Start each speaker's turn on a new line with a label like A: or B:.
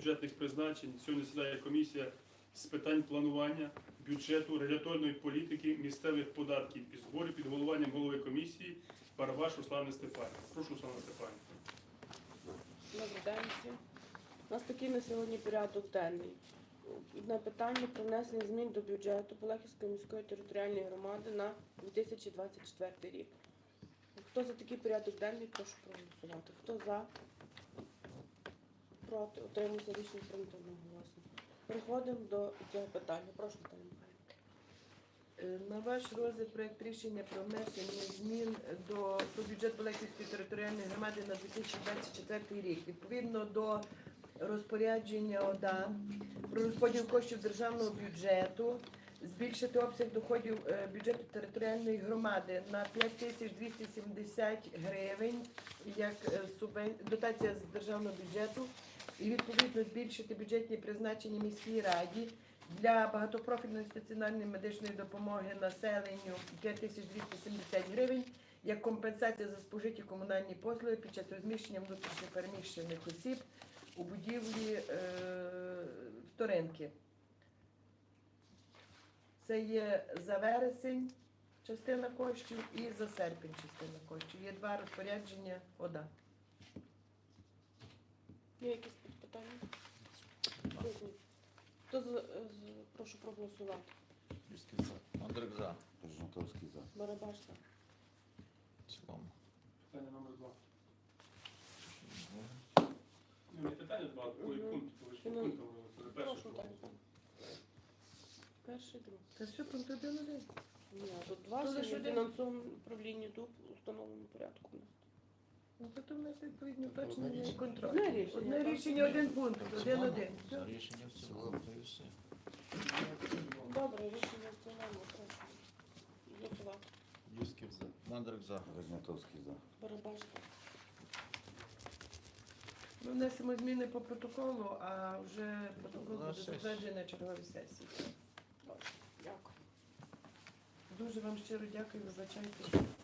A: бюджетних призначень. Сьогодні засідає комісія з питань планування бюджету, регуляторної політики, місцевих податків і зборів під головуванням голови комісії Барабаш Руслани Степанівни. Прошу, Руслана Степанівна.
B: Добрий день всім. У нас такий на сьогодні порядок денний. Одне питання про внесення змін до бюджету Полехівської міської територіальної громади на 2024 рік. Хто за такий порядок денний, прошу проголосувати. Хто за? Проти? Утримується, рішення прийнято одноголосно. Переходимо до цього питання. Прошу, Наталя Михайлівна.
C: На ваш розгляд проект рішення про внесення змін до бюджету Полехівської територіальної громади на 2024 рік. Відповідно до розпорядження ОДА про розподіл коштів державного бюджету, збільшити обсяг доходів бюджету територіальної громади на 5270 гривень як дотація з державного бюджету і відповідно збільшити бюджетні призначення міській раді для багатопрофільної стаціонарної медичної допомоги населенню 5270 гривень як компенсація за спожиті комунальні послуги під час розміщення внутрішньопереміщених осіб у будівлі вторинки. Це є за вересень частина коштів і за серпень частина коштів. Є два розпорядження ОДА.
B: Є якісь питання? Хто прошу проголосувати?
D: Юськів за. Мандрик за.
E: Жовтовський за.
B: Барабаш за.
D: В цілому.
A: Питання номер 2. Не питання 2, а такий пункт. Ви ж по пунктам це перше.
B: Прошу, Наталя. Перший, другий.
C: Це все пункт 1.1.
B: Ні, тут два
C: Ну, лише
B: ще
C: один.
B: фінансовому управлінні ДУП у встановленому порядку.
C: Ну, потім у нас відповідні уточнення і контроль.
B: Одне рішення.
C: Одне рішення, один пункт,
D: В цілому.
C: 1.1.
D: За рішення в цілому. Та й все.
B: Добре, рішення в цілому, прошу. Голосувати.
D: Юськів за. Мандрик за.
E: Рожнятовський за.
B: Барабаш за.
C: Ми внесемо зміни по протоколу, а вже протокол
D: На
C: буде
D: сесії.
C: затверджений на черговій сесії.
B: Дякую.
C: Дуже вам щиро дякую, вибачайте.